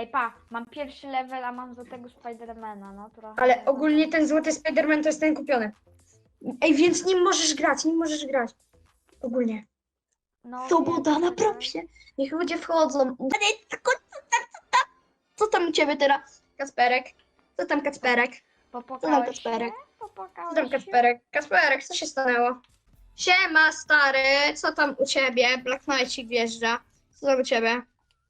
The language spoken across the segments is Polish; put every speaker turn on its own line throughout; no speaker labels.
Ej, pa, mam pierwszy level, a mam do tego Spidermana, no trochę.
Ale ogólnie ten złoty Spider-Man to jest ten kupiony. Ej, więc nim możesz grać. Ogólnie.
No,
Swoboda
wiem,
na
że-
propsie. Niech ludzie wchodzą. Co tam u ciebie teraz, Kasperek? Co tam, Kacperek?
Popłakałeś
Kacperek?
się? Popłakałeś
Co tam,
się?
Kacperek? Kacperek, co się stanęło? Siema, stary. Co tam u ciebie? Black Knight'ik wjeżdża. Co tam u ciebie?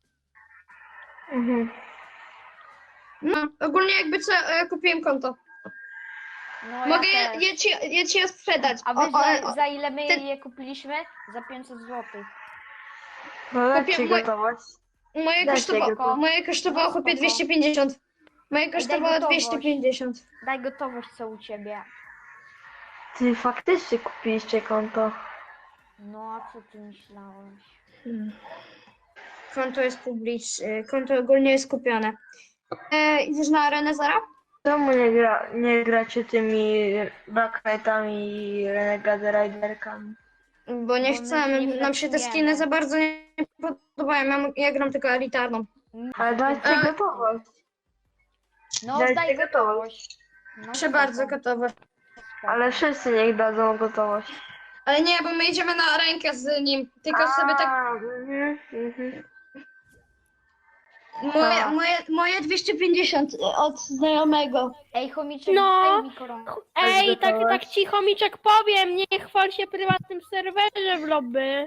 No, ogólnie jakby co, ja kupiłem konto.
No,
Mogę
ja też.
je ci je sprzedać.
A wy za ile my
ten-
je kupiliśmy? Za 500 zł.
No dajcie
Kupię-
gotowość.
Moje
Dajcie
kosztowało,
go
chłopie
spoko.
250. Moje
daj
kosztowało
gotowość.
250.
Daj gotowość, co u ciebie.
Ty faktycznie kupiliście konto.
No, a co ty myślałeś?
Konto jest publiczne, konto ogólnie jest kupione. Idziesz na arenę Zara?
Czemu nie gracie tymi Black Knightami i Renegade Riderkami?
Bo nie
my
chcemy,
nie
nam się te
flexujemy.
skiny za bardzo nie podobają. Ja gram tylko elitarną.
Ale dajcie
A-
gotowość.
No,
dajcie
daj
gotowość.
gotowość. No,
Proszę
spoko,
bardzo, gotowe.
spoko.
Ale wszyscy niech dadzą gotowość.
Ale nie, bo my idziemy na rękę z nim. Tylko sobie tak.
Mhm.
Moje 250 od znajomego.
Ej, chomiczek,
No.
daj mi koronkę.
Ej,
gotowe?
tak ci chomiczek powiem, nie chwal się prywatnym serwerze w lobby.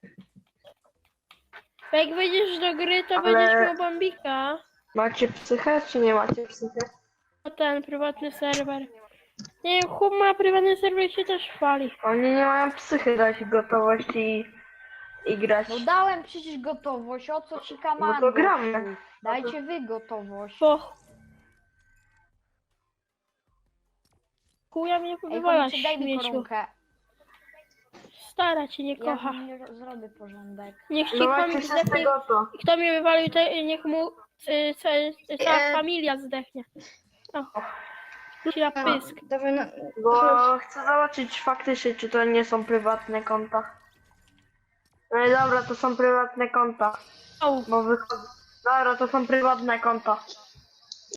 Bo jak wejdziesz do gry, to
Ale-
będziesz miał bombika.
Macie psychę, czy nie macie psychę?
O ten prywatny serwer. Nie wiem, chłop ma prywatny serwer i się też chwali.
Oni nie mają psychy dać gotowość i grać.
No dałem przecież gotowość, o co ci kaman?
No to gramy.
Dajcie wy gotowość.
Bo... Chuja mnie
Ej,
wywalasz,
chomiczek, daj mi
śmieciu.
koronkę.
Stara cię nie
Ja
kocha.
nie zrobię porządek.
Niech ci
Dawajcie
chomik
wszyscy
zdechnie.
goto.
Kto mnie wywalił, niech mu cała
E.
familia zdechnie. O. Ci na pysk.
Dawaj na...
Bo chcę zobaczyć faktycznie, czy to nie są prywatne konta. No i dobra, to są prywatne konta.
O.
Bo wychodzę. Dobra, to są prywatne konta.